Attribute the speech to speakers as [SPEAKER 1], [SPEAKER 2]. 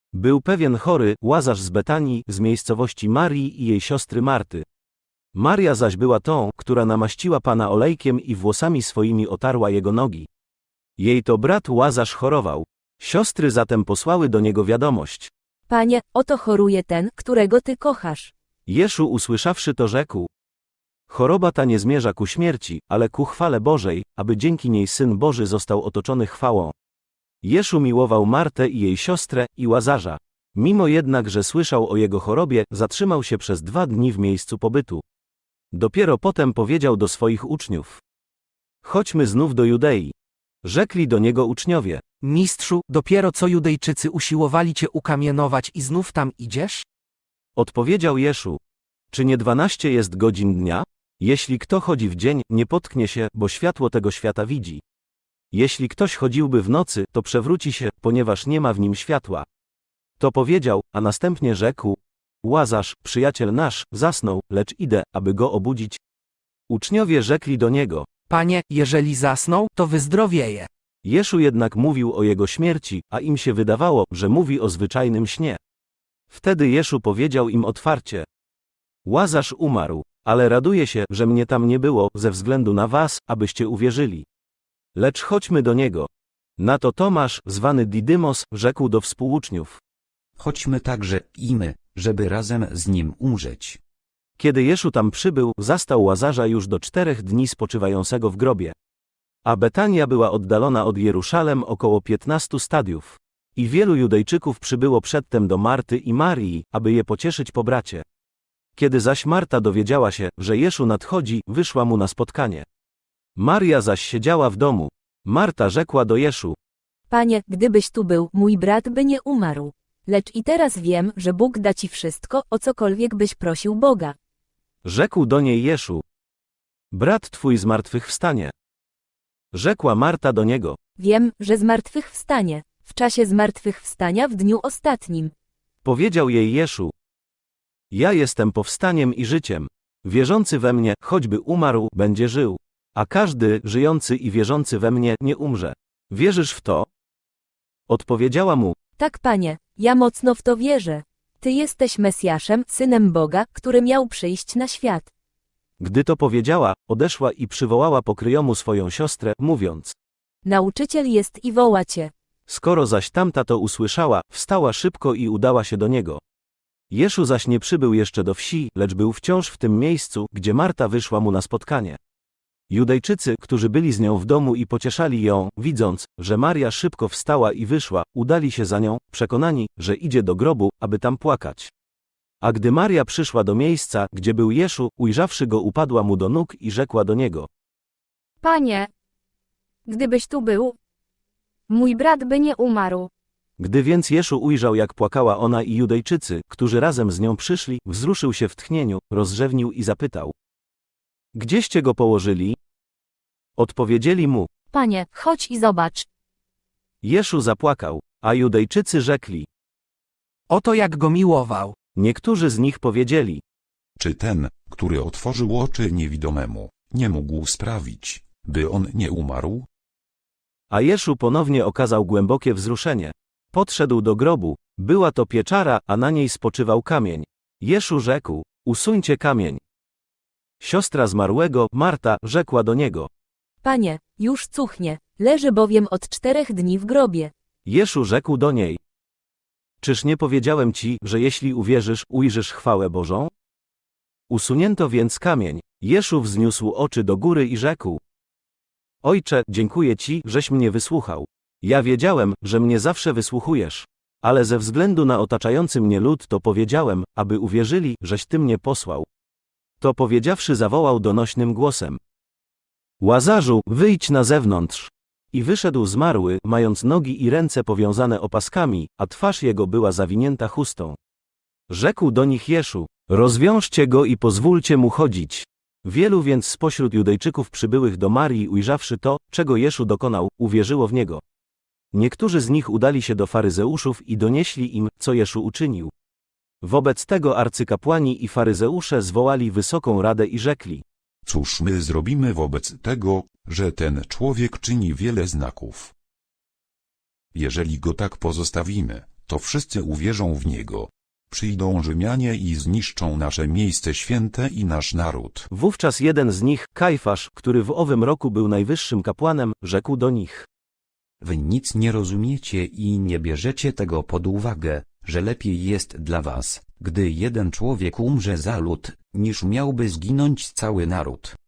[SPEAKER 1] Był pewien chory, Łazarz z Betanii, z miejscowości Marii i jej siostry Marty. Maria zaś była tą, która namaściła Pana olejkiem i włosami swoimi otarła jego nogi. Jej to brat Łazarz chorował. Siostry zatem posłały do niego wiadomość.
[SPEAKER 2] Panie, oto choruje ten, którego Ty kochasz.
[SPEAKER 1] Jeszu usłyszawszy to rzekł: choroba ta nie zmierza ku śmierci, ale ku chwale Bożej, aby dzięki niej Syn Boży został otoczony chwałą. Jeszu miłował Martę i jej siostrę i Łazarza. Mimo jednak, że słyszał o jego chorobie, zatrzymał się przez 2 dni w miejscu pobytu. Dopiero potem powiedział do swoich uczniów: chodźmy znów do Judei. Rzekli do niego uczniowie:
[SPEAKER 3] Mistrzu, dopiero co Judejczycy usiłowali Cię ukamienować i znów tam idziesz?
[SPEAKER 1] Odpowiedział Jeszu: czy nie 12 jest godzin dnia? Jeśli kto chodzi w dzień, nie potknie się, bo światło tego świata widzi. Jeśli ktoś chodziłby w nocy, to przewróci się, ponieważ nie ma w nim światła. To powiedział, a następnie rzekł: Łazarz, przyjaciel nasz, zasnął, lecz idę, aby go obudzić. Uczniowie rzekli do niego:
[SPEAKER 3] Panie, jeżeli zasnął, to wyzdrowieje.
[SPEAKER 1] Jeszu jednak mówił o jego śmierci, a im się wydawało, że mówi o zwyczajnym śnie. Wtedy Jeszu powiedział im otwarcie: Łazarz umarł, ale raduję się, że mnie tam nie było, ze względu na was, abyście uwierzyli. Lecz chodźmy do niego. Na to Tomasz, zwany Didymos, rzekł do współuczniów:
[SPEAKER 4] Chodźmy także i my, żeby razem z nim umrzeć.
[SPEAKER 1] Kiedy Jeszu tam przybył, zastał Łazarza już do 4 dni spoczywającego w grobie. A Betania była oddalona od Jeruszalem około 15 stadiów. I wielu Judejczyków przybyło przedtem do Marty i Marii, aby je pocieszyć po bracie. Kiedy zaś Marta dowiedziała się, że Jeszu nadchodzi, wyszła mu na spotkanie. Maria zaś siedziała w domu. Marta rzekła do Jeszu:
[SPEAKER 2] Panie, gdybyś tu był, mój brat by nie umarł. Lecz i teraz wiem, że Bóg da Ci wszystko, o cokolwiek byś prosił Boga.
[SPEAKER 1] Rzekł do niej Jeszu: brat twój zmartwychwstanie. Rzekła Marta do niego:
[SPEAKER 2] Wiem, że zmartwychwstanie, w czasie zmartwychwstania w dniu ostatnim.
[SPEAKER 1] Powiedział jej Jeszu: ja jestem powstaniem i życiem. Wierzący we mnie, choćby umarł, będzie żył. A każdy, żyjący i wierzący we mnie, nie umrze. Wierzysz w to? Odpowiedziała mu:
[SPEAKER 2] Tak, Panie, ja mocno w to wierzę. Ty jesteś Mesjaszem, Synem Boga, który miał przyjść na świat.
[SPEAKER 1] Gdy to powiedziała, odeszła i przywołała pokryjomu swoją siostrę, mówiąc:
[SPEAKER 2] Nauczyciel jest i woła Cię.
[SPEAKER 1] Skoro zaś tamta to usłyszała, wstała szybko i udała się do niego. Jeszu zaś nie przybył jeszcze do wsi, lecz był wciąż w tym miejscu, gdzie Marta wyszła mu na spotkanie. Judejczycy, którzy byli z nią w domu i pocieszali ją, widząc, że Maria szybko wstała i wyszła, udali się za nią, przekonani, że idzie do grobu, aby tam płakać. A gdy Maria przyszła do miejsca, gdzie był Jeszu, ujrzawszy go, upadła mu do nóg i rzekła do niego:
[SPEAKER 5] Panie, gdybyś tu był, mój brat by nie umarł.
[SPEAKER 1] Gdy więc Jeszu ujrzał, jak płakała ona i Judejczycy, którzy razem z nią przyszli, wzruszył się w tchnieniu, rozrzewnił i zapytał: Gdzieście go położyli? Odpowiedzieli mu:
[SPEAKER 5] Panie, chodź i zobacz.
[SPEAKER 1] Jeszu zapłakał, a Judejczycy rzekli.
[SPEAKER 3] Oto jak go miłował.
[SPEAKER 1] Niektórzy z nich powiedzieli:
[SPEAKER 6] Czy ten, który otworzył oczy niewidomemu, nie mógł sprawić, by on nie umarł?
[SPEAKER 1] A Jeszu ponownie okazał głębokie wzruszenie. Podszedł do grobu, była to pieczara, a na niej spoczywał kamień. Jeszu rzekł: Usuńcie kamień. Siostra zmarłego, Marta, rzekła do niego:
[SPEAKER 2] Panie, już cuchnie, leży bowiem od 4 dni w grobie.
[SPEAKER 1] Jeszu rzekł do niej: Czyż nie powiedziałem ci, że jeśli uwierzysz, ujrzysz chwałę Bożą? Usunięto więc kamień. Jeszu wzniósł oczy do góry i rzekł: Ojcze, dziękuję Ci, żeś mnie wysłuchał. Ja wiedziałem, że mnie zawsze wysłuchujesz. Ale ze względu na otaczający mnie lud to powiedziałem, aby uwierzyli, żeś Ty mnie posłał. To powiedziawszy zawołał donośnym głosem: Łazarzu, wyjdź na zewnątrz. I wyszedł zmarły, mając nogi i ręce powiązane opaskami, a twarz jego była zawinięta chustą. Rzekł do nich Jeszu: Rozwiążcie go i pozwólcie mu chodzić. Wielu więc spośród Judejczyków przybyłych do Marii, ujrzawszy to, czego Jeszu dokonał, uwierzyło w niego. Niektórzy z nich udali się do faryzeuszów i donieśli im, co Jeszu uczynił. Wobec tego arcykapłani i faryzeusze zwołali wysoką radę i rzekli:
[SPEAKER 6] Cóż my zrobimy wobec tego, że ten człowiek czyni wiele znaków? Jeżeli go tak pozostawimy, to wszyscy uwierzą w niego. Przyjdą Rzymianie i zniszczą nasze miejsce święte i nasz naród.
[SPEAKER 1] Wówczas jeden z nich, Kajfasz, który w owym roku był najwyższym kapłanem, rzekł do nich:
[SPEAKER 4] Wy nic nie rozumiecie i nie bierzecie tego pod uwagę, że lepiej jest dla was, gdy jeden człowiek umrze za lud, niż miałby zginąć cały naród.